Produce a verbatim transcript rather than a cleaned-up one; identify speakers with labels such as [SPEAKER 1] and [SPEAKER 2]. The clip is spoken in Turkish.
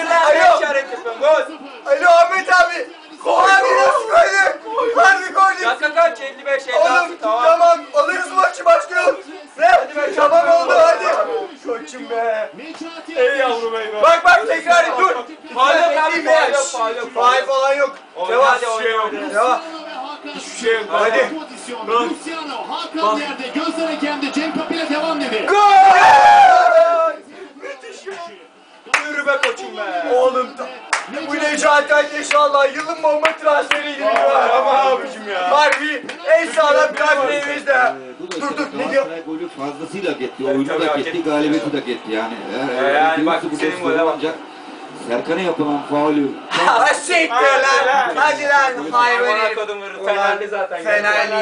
[SPEAKER 1] Hayır lan ne işaret yapıyorsun? Gol.
[SPEAKER 2] Alo Ahmet abi. Abi nasıl koyduk? Harbi koyduk.
[SPEAKER 1] Dakika kaç? elli beş elli
[SPEAKER 2] Oğlum
[SPEAKER 1] altı
[SPEAKER 2] tamam.
[SPEAKER 1] tamam.
[SPEAKER 2] Alırız maçı başlayalım. Ne?
[SPEAKER 1] Hadi be,
[SPEAKER 2] Tamam
[SPEAKER 1] çok
[SPEAKER 2] oldu
[SPEAKER 1] iyi.
[SPEAKER 2] hadi. Koçum be.
[SPEAKER 1] Ey yavrum ey be.
[SPEAKER 2] Bak bak tekrar et dur.
[SPEAKER 1] Faul yok abi,
[SPEAKER 2] Edeyim
[SPEAKER 1] faul
[SPEAKER 2] be.
[SPEAKER 1] yok, faul yok.
[SPEAKER 2] Faul falan yok.
[SPEAKER 1] Oyna,
[SPEAKER 2] Devam.
[SPEAKER 1] hadi oyna,
[SPEAKER 2] Şey yok.
[SPEAKER 1] oyna.
[SPEAKER 2] Devam.
[SPEAKER 3] Hiçbir
[SPEAKER 2] şey yok. Hadi.
[SPEAKER 3] Luciano, Hakan yerde, gözler hakemde, Cenk Kapı'yla devam dedi.
[SPEAKER 2] Gol!
[SPEAKER 1] Yürü be koçum be.
[SPEAKER 2] Oğlum da- bu Necati inşallah yılın bomba transferi gibi.
[SPEAKER 1] Ama abicim ya.
[SPEAKER 2] Harbi en sağlam kadremizde.
[SPEAKER 4] Bu da
[SPEAKER 2] Dur
[SPEAKER 4] işte
[SPEAKER 2] dur ne diyor?
[SPEAKER 4] Galatasaray golü fazlasıyla hak etti.
[SPEAKER 1] Evet,
[SPEAKER 4] Oyunu
[SPEAKER 1] tabii
[SPEAKER 4] da
[SPEAKER 1] hak
[SPEAKER 4] hak etti,
[SPEAKER 1] etti.
[SPEAKER 4] galibiyeti de hak etti yani. Eğer,
[SPEAKER 1] Ee, yani bak,
[SPEAKER 4] bu
[SPEAKER 1] senin
[SPEAKER 4] pozisyonu
[SPEAKER 1] gole bak.
[SPEAKER 4] ancak Serkan'a yapılan faulü
[SPEAKER 2] Ha siktir lan. Hadi lan hayvan
[SPEAKER 1] Amına
[SPEAKER 2] herif.
[SPEAKER 1] kodum vurur. Fenerli zaten.
[SPEAKER 2] Fenerli.